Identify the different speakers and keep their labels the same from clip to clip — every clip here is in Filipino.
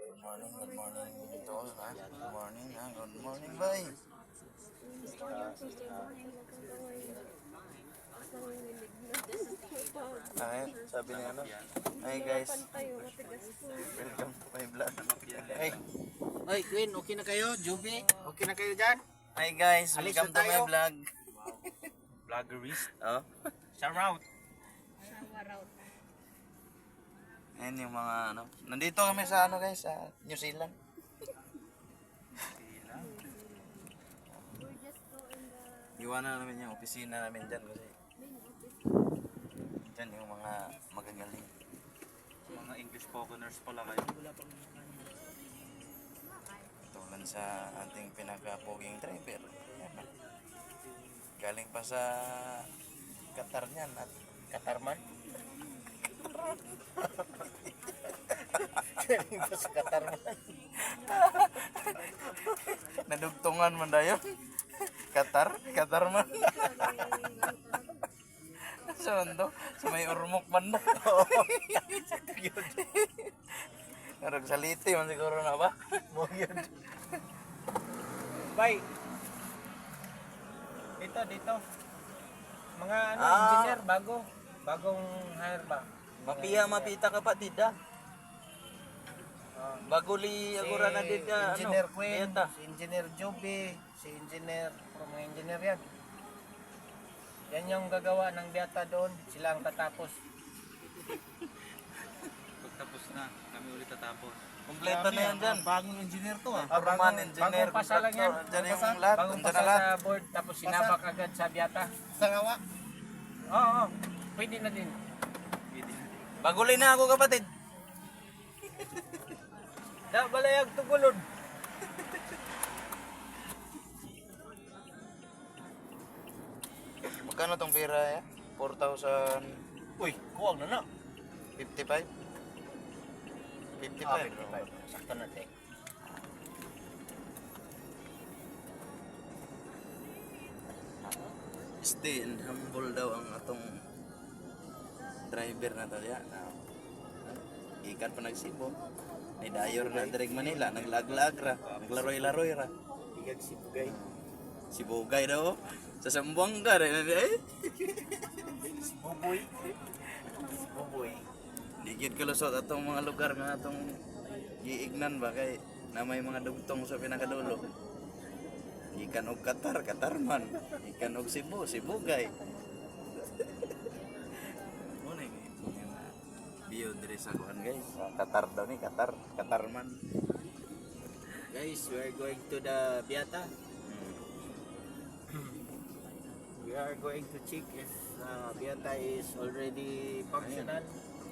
Speaker 1: Good morning, tol. Good morning, good morning, bye. Ay, sabi ni ano? Hi guys, welcome to my vlog. Hey,
Speaker 2: Oy, Queen, okay na kayo? Juby, okay na kayo dyan?
Speaker 1: hi guys,
Speaker 2: Alis
Speaker 1: welcome
Speaker 2: na
Speaker 1: to my
Speaker 2: tayo.
Speaker 1: vlog.
Speaker 2: Vloggerist.
Speaker 1: Oh,
Speaker 2: Shout out.
Speaker 1: ayan yung mga ano. Nandito kami sa ano guys, sa New Zealand. Iwanan namin yung opisina namin dyan kasi dyan yung mga magagaling.
Speaker 2: Mga English spokeners pala kayo.
Speaker 1: Tulad sa ating pinaka-poging driver. Yan, ah. Galing pa sa Qatar niyan at
Speaker 2: Katarman. Galing pa sa Katarman.
Speaker 1: nadugtungan man dayon. Qatar man. Sa to, sa may urmok man na. Narag saliti man siguro na ba?
Speaker 2: Mo yun. Bye. Dito. Mga engineer, bagong hire ba?
Speaker 1: Mapita ka pa tida. Bago li agora na din ka
Speaker 2: Engineer Queen,
Speaker 1: ayata.
Speaker 2: si Engineer Joby, si Engineer, mga engineer yan. Yan yung gagawa ng biyata doon, sila ang tatapos.
Speaker 3: Pagtapos na, kami ulit tatapos.
Speaker 1: Kompleto na yan dyan.
Speaker 3: Bagong engineer to ah.
Speaker 1: Foreman, engineer,
Speaker 2: bagong pasa lang yan.
Speaker 1: dyan yung lahat.
Speaker 2: Bagong
Speaker 1: Dyan
Speaker 2: pasa
Speaker 1: na lahat.
Speaker 2: sa board, tapos sinabak agad sa biyata.
Speaker 3: Sangawa.
Speaker 2: Oo, pwede na din.
Speaker 1: Baguli na ako kapatid.
Speaker 2: Da, balayag tugulod.
Speaker 1: Magkano tong pera ya? 4,055?
Speaker 2: Uy, kuwag na na.
Speaker 1: 55.
Speaker 2: 55. Sakto na, tek.
Speaker 1: Stay and humble daw ang atong driver na talya. Ikan pa nagsibo. May dayor na direk Manila, naglaglag ra, naglaroy-laroy ra.
Speaker 2: Igag si Bugay.
Speaker 1: Si Bugay daw. Sa Sambuanga rin.
Speaker 2: Si Buboy. Si Buboy.
Speaker 1: Digid kalusot atong mga lugar nga atong giignan ba kay na may mga dugtong sa pinakadulo. Ikan og Qatar man. Ikan og Cebu, Sibugay. Muna yung bio diri sa kuan guys. Qatar daw ni, Qatar man.
Speaker 2: Guys, we are going to the Biata. We are going to check if Biata is already functional.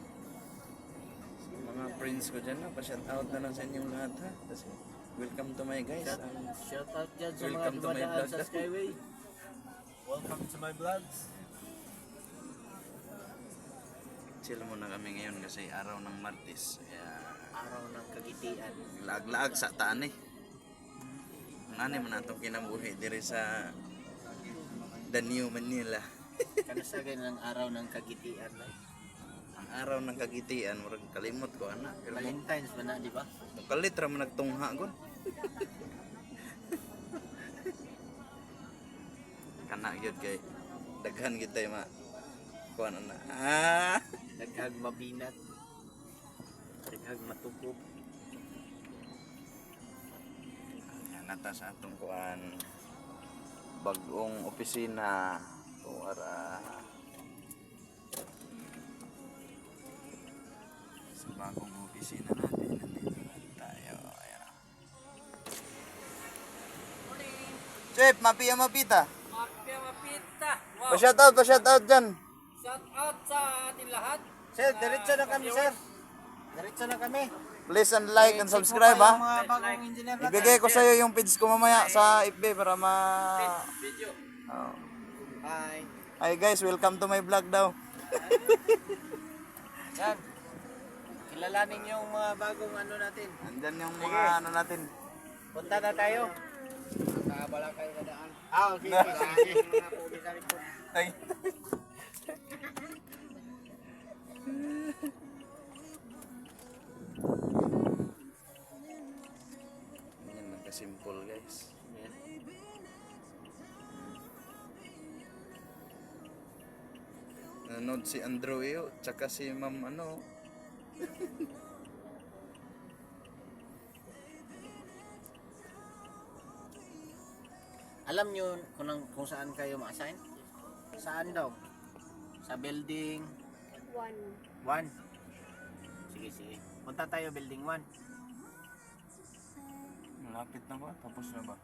Speaker 1: Mga friends ko dyan na, pa-shout out na lang sa inyong lahat ha. Kasi welcome to my guys.
Speaker 2: Shout out dyan sa mga
Speaker 1: Welcome to my
Speaker 2: dumadaan
Speaker 1: vlog.
Speaker 2: sa Skyway. Welcome to my vlogs.
Speaker 1: Chill muna kami ngayon kasi araw ng Martes. Kaya
Speaker 2: Araw ng kagitian.
Speaker 1: laag-laag sa taan eh. Ang man natong kinabuhi diri sa The New Manila.
Speaker 2: Kanasagan ng araw ng kagitian.
Speaker 1: Ang araw ng kagitian, murag kalimot ko ana. Pero
Speaker 2: Valentine's ba na, di ba?
Speaker 1: mukalit ra man nagtungha gon. Kana gyud kay daghan gyud tay ma kuan ana.
Speaker 2: Daghag mabinat. Daghag matukop.
Speaker 1: Nata sa atong kuan bagong opisina para sa bagong opisina natin. Nandito na tayo. Ayan. Chef, mapita.
Speaker 4: Wow.
Speaker 1: Pa-shout out dyan.
Speaker 4: Shout out sa ating lahat.
Speaker 2: Sir, diretso na kami, sir. Diretso na kami.
Speaker 1: Please and like and subscribe ha.
Speaker 2: Mga bagong engineer natin.
Speaker 1: Ibigay ko sa iyo yung page ko mamaya sa FB para ma...
Speaker 4: Video.
Speaker 1: Oh.
Speaker 2: Bye.
Speaker 1: Hi guys, welcome to my vlog daw.
Speaker 2: Yan. Kilalanin yung mga bagong ano natin.
Speaker 1: Andyan yung mga ano natin.
Speaker 2: Punta na tayo.
Speaker 4: Nakabala kayo na daan.
Speaker 2: Okay. Sige.
Speaker 1: Ay. simple guys.
Speaker 2: Yes.
Speaker 1: Nanood si Andrew Eo, tsaka si Ma'am ano.
Speaker 2: Alam nyo kung saan kayo ma-assign? Saan daw? Sa building 1. Sige, sige. Punta tayo building 1.
Speaker 1: Malapit na ba? Tapos na ba?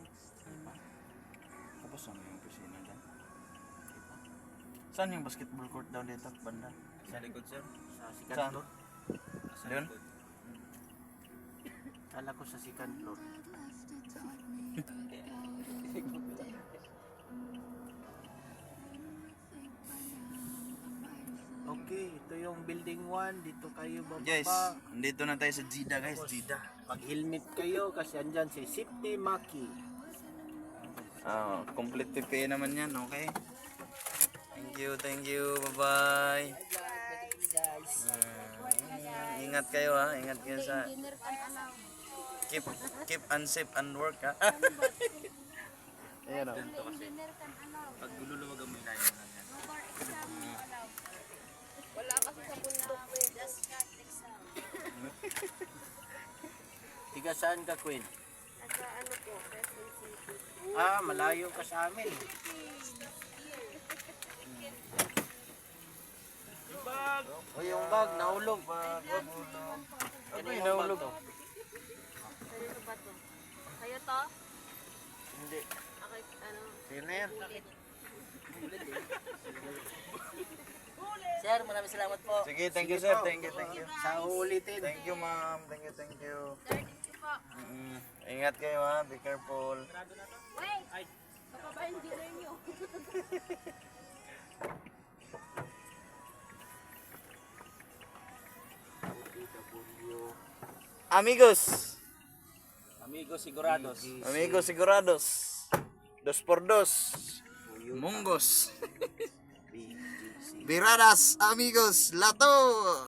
Speaker 1: Tapos na ba yung opisina dyan? Saan yung basketball court daw dito? Banda?
Speaker 3: Sa likod, sir.
Speaker 2: Sa second
Speaker 1: Saan?
Speaker 2: floor.
Speaker 3: Sa
Speaker 1: Yun?
Speaker 3: likod.
Speaker 2: Kala ko sa second floor. Okay, ito yung building 1. Dito kayo bababa.
Speaker 1: Guys, nandito na tayo sa Jida guys, Jida.
Speaker 2: Pag-helmet kayo kasi andyan si Safety Maki.
Speaker 1: Complete PPE naman yan, okay? Thank you, bye-bye. Ingat kayo ha, ingat kayo sa... Keep unsafe and work ha. Ayan o.
Speaker 3: Ganito kasi. Pag luluwagan mo yung layo na yan.
Speaker 5: Wala kasi sa bundok eh.
Speaker 2: Tiga saan ka, Queen?
Speaker 5: Nasa ano po, Quezon City.
Speaker 2: Ah, malayo ka sa amin. O yung bag, nahulog. Ano yung nahulog?
Speaker 5: Kanino ba to? Kayo to?
Speaker 2: Hindi.
Speaker 5: Okay, ano?
Speaker 2: Sino na yan?
Speaker 5: Sir, maraming salamat po.
Speaker 1: Sige, thank you sir, thank you.
Speaker 2: Sa uulitin.
Speaker 1: Thank you ma'am, thank you.
Speaker 5: Sir, thank you po.
Speaker 1: Ingat kayo ha, be careful.
Speaker 5: Wait! Baka ba yung dealer nyo?
Speaker 1: Amigos,
Speaker 2: Amigos sigurados.
Speaker 1: amigos sigurados. 2x2. Munggos. Biradas, amigos, lato.